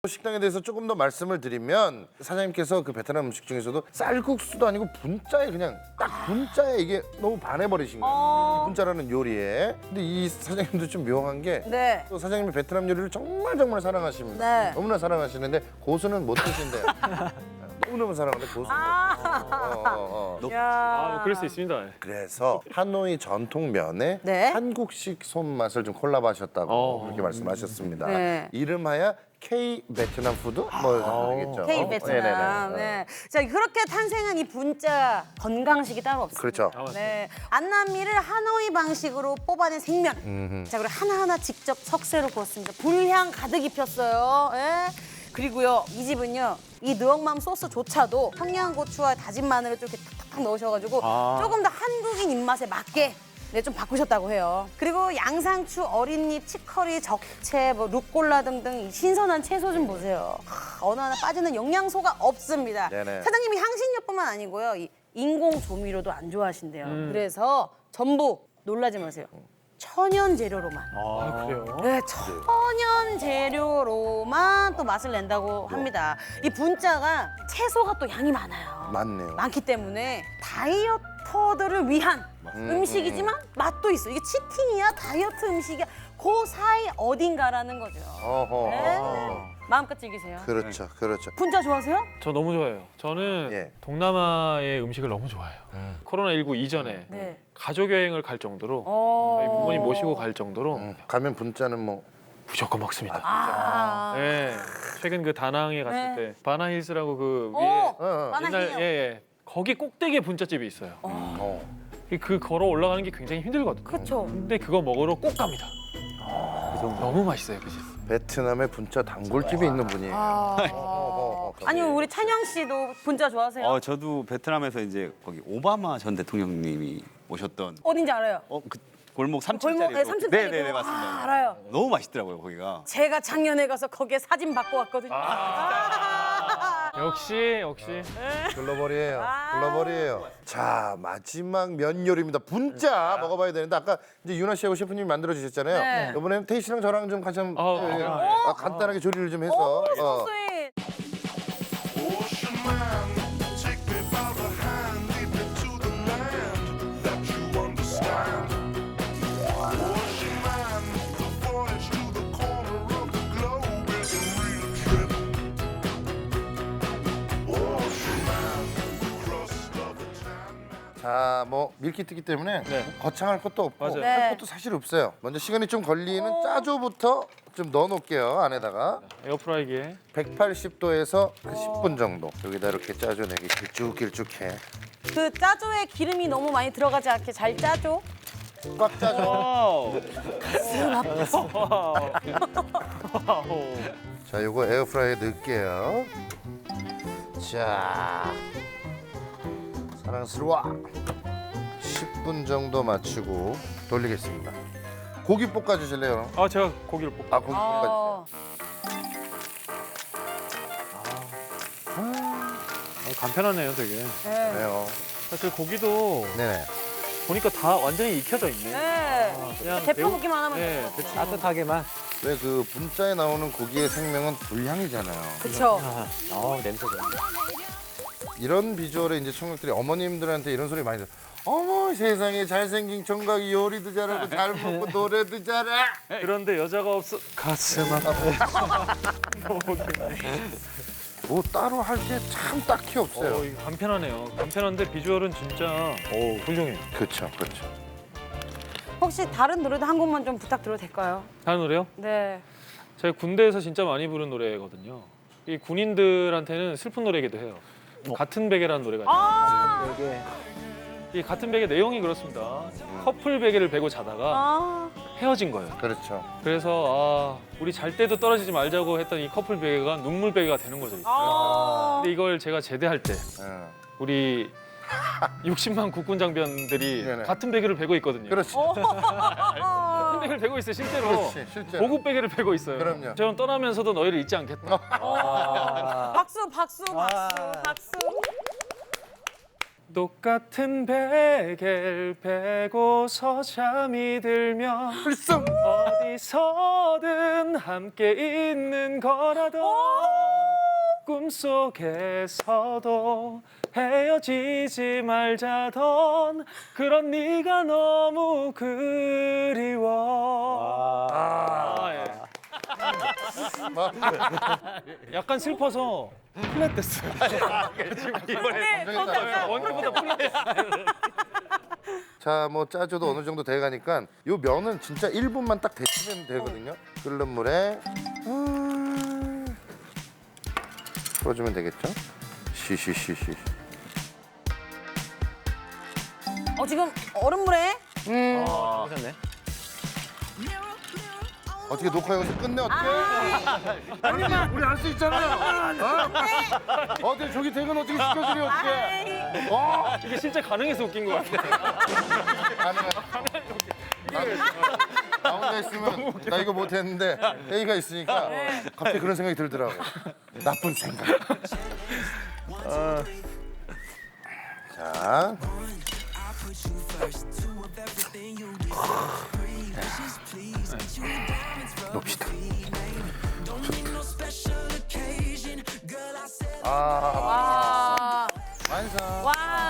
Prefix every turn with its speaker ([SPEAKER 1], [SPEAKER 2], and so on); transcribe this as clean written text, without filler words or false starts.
[SPEAKER 1] 식당에 대해서 조금 더 말씀을 드리면 사장님께서 그 베트남 음식 중에서도 쌀국수도 아니고 분짜에 그냥 딱 분짜에 이게 너무 반해버리신 거예요. 이 분짜라는 요리에. 근데 이 사장님도 좀 묘한 게
[SPEAKER 2] 네.
[SPEAKER 1] 또 사장님이 베트남 요리를 정말 사랑하십니다.
[SPEAKER 2] 네.
[SPEAKER 1] 너무나 사랑하시는데 고수는 못 드신대요. 너무너무 사랑하는데 고수는
[SPEAKER 2] 야.
[SPEAKER 3] 뭐 그럴 수 있습니다.
[SPEAKER 1] 그래서 하노이 전통 면에
[SPEAKER 2] 네.
[SPEAKER 1] 한국식 손맛을 좀 콜라보하셨다고 그렇게 말씀하셨습니다.
[SPEAKER 2] 네.
[SPEAKER 1] 이름하여 K 베트남 푸드 뭐 되겠죠.
[SPEAKER 2] K 베트남. 네. 자, 그렇게 탄생한 이 분짜 건강식이 따로 없습니다.
[SPEAKER 1] 그렇죠.
[SPEAKER 2] 네. 안남미를 하노이 방식으로 뽑아낸 생면. 자, 그리고 하나하나 직접 석쇠로 구웠습니다. 불향 가득 입혔어요. 예. 그리고요, 이 집은요, 이 느엉맘 소스조차도 청양고추와 다진 마늘을 좀 이렇게 탁탁 넣으셔가지고 조금 더 한국인 입맛에 맞게 네, 좀 바꾸셨다고 해요. 그리고 양상추, 어린잎, 치커리, 적채, 뭐 루꼴라 등등 이 신선한 채소 좀 보세요. 어느 하나 빠지는 영양소가 없습니다.
[SPEAKER 1] 네네.
[SPEAKER 2] 사장님이 향신료뿐만 아니고요, 이 인공 조미료도 안 좋아하신대요. 그래서 전부 놀라지 마세요. 천연 재료로만.
[SPEAKER 3] 아, 그래요?
[SPEAKER 2] 네, 천연 재료로만 또 맛을 낸다고 합니다. 이 분짜가 채소가 또 양이 많아요.
[SPEAKER 1] 맞네요.
[SPEAKER 2] 많기 때문에 다이어터들을 위한 음식이지만 맛도 있어. 이게 치팅이야, 다이어트 음식이야. 그 사이 어딘가라는 거죠.
[SPEAKER 1] 어허.
[SPEAKER 2] 네. 마음껏 즐기세요.
[SPEAKER 1] 그렇죠, 그렇죠.
[SPEAKER 2] 분짜 좋아하세요?
[SPEAKER 3] 저 너무 좋아해요. 저는
[SPEAKER 1] 예.
[SPEAKER 3] 동남아의 음식을 너무 좋아해요. 코로나19 이전에
[SPEAKER 2] 네.
[SPEAKER 3] 가족 여행을 갈 정도로
[SPEAKER 2] 어.
[SPEAKER 3] 저희 부모님 모시고 갈 정도로
[SPEAKER 1] 가면 분짜는 뭐
[SPEAKER 3] 무조건 먹습니다.
[SPEAKER 2] 아.
[SPEAKER 3] 네. 최근 그 다낭에 갔을
[SPEAKER 2] 네.
[SPEAKER 3] 때 바나힐스라고 그 위에
[SPEAKER 2] 오,
[SPEAKER 3] 옛날
[SPEAKER 2] 마나히요.
[SPEAKER 3] 예. 거기 꼭대기에 분짜집이 있어요. 그 걸어 올라가는 게 굉장히 힘들거든요.
[SPEAKER 2] 그쵸.
[SPEAKER 3] 근데 그거 먹으러 꼭 갑니다. 너무 맛있어요, 그 집.
[SPEAKER 1] 베트남에 분짜 단골집이 있는 분이에요.
[SPEAKER 2] 아니, 우리 찬영 씨도 분짜 좋아하세요?
[SPEAKER 4] 저도 베트남에서 이제 거기 오바마 전 대통령님이 오셨던
[SPEAKER 2] 어딘지 알아요?
[SPEAKER 4] 그 골목 3층짜리
[SPEAKER 2] 골목에 3층짜리.
[SPEAKER 4] 네네네 맞습니다.
[SPEAKER 2] 아, 알아요.
[SPEAKER 4] 너무 맛있더라고요 거기가.
[SPEAKER 2] 제가 작년에 가서 거기에 사진 받고 왔거든요.
[SPEAKER 3] 역시
[SPEAKER 1] 글로벌이에요. 글로벌이에요. 자, 마지막 면 요리입니다. 분짜 먹어봐야 되는데 아까 이제 유나 씨하고 셰프님이 만들어 주셨잖아요.
[SPEAKER 2] 네.
[SPEAKER 1] 이번에는 태희 씨랑 저랑 좀 같이 한번 간단하게 조리를 좀 해서
[SPEAKER 2] 오, 소스윗.
[SPEAKER 5] Ocean man, take me by the hand, lead me to the land that you understand. Ocean man, the voyage to the corner of the globe is a real trip. Ocean man, the crust of the tan man.
[SPEAKER 1] 자, 뭐 밀키트기 때문에
[SPEAKER 3] 네.
[SPEAKER 1] 거창할 것도 없고
[SPEAKER 3] 맞아요.
[SPEAKER 1] 할
[SPEAKER 2] 네.
[SPEAKER 1] 것도 사실 없어요. 먼저 시간이 좀 걸리는 짜조부터 좀 넣어놓을게요 안에다가.
[SPEAKER 3] 에어프라이기에
[SPEAKER 1] 180도에서 한 10분 정도 여기다 이렇게 짜줘내기 길쭉길쭉해.
[SPEAKER 2] 그 짜조에 기름이 너무 많이 들어가지 않게 잘 짜줘.
[SPEAKER 1] 꽉 짜줘. 자, 요거 에어프라이에 넣을게요. 자, 사랑스러워. 10분 정도 맞추고 돌리겠습니다. 고기 볶아주실래요?
[SPEAKER 3] 아 제가 고기를 볶아.
[SPEAKER 1] 아, 고기 볶아주세요.
[SPEAKER 3] 간편하네요, 되게.
[SPEAKER 2] 네.
[SPEAKER 1] 네요.
[SPEAKER 3] 사실 고기도
[SPEAKER 1] 네네.
[SPEAKER 3] 보니까 다 완전히 익혀져 있네.
[SPEAKER 2] 네.
[SPEAKER 3] 그냥
[SPEAKER 2] 대표
[SPEAKER 3] 매우-
[SPEAKER 2] 먹기만 하면
[SPEAKER 3] 네,
[SPEAKER 2] 돼요.
[SPEAKER 3] 대충
[SPEAKER 6] 따뜻하게만.
[SPEAKER 1] 왜 그 분짜에 나오는 고기의 생명은 불향이잖아요.
[SPEAKER 2] 그쵸.
[SPEAKER 6] 냄새 좋네.
[SPEAKER 1] 이런 비주얼에 이제 청각들이 어머님들한테 이런 소리 많이 들어요. 어머 세상에 잘생긴 총각이 요리도 잘하고 잘 먹고 노래도 잘해.
[SPEAKER 3] 그런데 여자가 없어 가슴 아파.
[SPEAKER 1] 뭐 따로 할 게 참 딱히 없어요.
[SPEAKER 3] 이거 간편하네요. 간편한데 비주얼은 진짜 훌륭해요.
[SPEAKER 1] 그렇죠, 그렇죠.
[SPEAKER 2] 혹시 다른 노래도 한 곡만 좀 부탁드려도 될까요?
[SPEAKER 3] 다른 노래요?
[SPEAKER 2] 네.
[SPEAKER 3] 제가 군대에서 진짜 많이 부른 노래거든요. 이 군인들한테는 슬픈 노래이기도 해요. 같은 베개라는 노래가 있어요.
[SPEAKER 2] 아,
[SPEAKER 6] 이게
[SPEAKER 3] 이 같은 베개 내용이 그렇습니다. 커플 베개를 베고 자다가
[SPEAKER 2] 아,
[SPEAKER 3] 헤어진 거예요.
[SPEAKER 1] 그렇죠.
[SPEAKER 3] 그래서 우리 잘 때도 떨어지지 말자고 했던 이 커플 베개가 눈물 베개가 되는 거죠.
[SPEAKER 2] 아.
[SPEAKER 3] 근데 이걸 제가 제대할 때
[SPEAKER 1] 예.
[SPEAKER 3] 우리 60만 국군 장병들이
[SPEAKER 1] 네네.
[SPEAKER 3] 같은 베개를 베고 있거든요.
[SPEAKER 1] 그렇지.
[SPEAKER 3] 같은 베개를 베고 있어요, 실제로.
[SPEAKER 1] 그렇지, 실제로.
[SPEAKER 3] 고급 베개를 베고 있어요.
[SPEAKER 1] 그럼요.
[SPEAKER 3] 저는 떠나면서도 너희를 잊지 않겠다.
[SPEAKER 2] 박수, 박수, 박수, 박수.
[SPEAKER 3] 똑같은 베개를 베고서 잠이 들면 어디서든 함께 있는 거라도 꿈속에서도 헤어지지 말자던 그런 네가 너무 그리워. 예. 약간 슬퍼서 플랫 됐어요.
[SPEAKER 2] 네,
[SPEAKER 3] 원래보다 플랫 됐어요.
[SPEAKER 1] 자, 뭐 짜줘도 어느 정도 돼가니까 요 면은 진짜 1분만 딱 데치면 되거든요. 끓는 물에 풀어주면 되겠죠? 시시시시.
[SPEAKER 2] 지금 얼음물에
[SPEAKER 3] 하셨네.
[SPEAKER 1] 어떻게 녹화 여기서 끝내 어떻게? 아니 우리 할 수 있잖아요. 어때 저기 퇴근 어떻게 시켜주려 어떻게?
[SPEAKER 3] 이게 진짜 가능해서 웃긴 것 같아.
[SPEAKER 1] 나 혼자 있으면 나 이거 못했는데 A가 있으니까 갑자기 그런 생각이 들더라고. 나쁜 생각. 자. 놉시다.
[SPEAKER 2] 와.
[SPEAKER 1] 완성.
[SPEAKER 2] 와.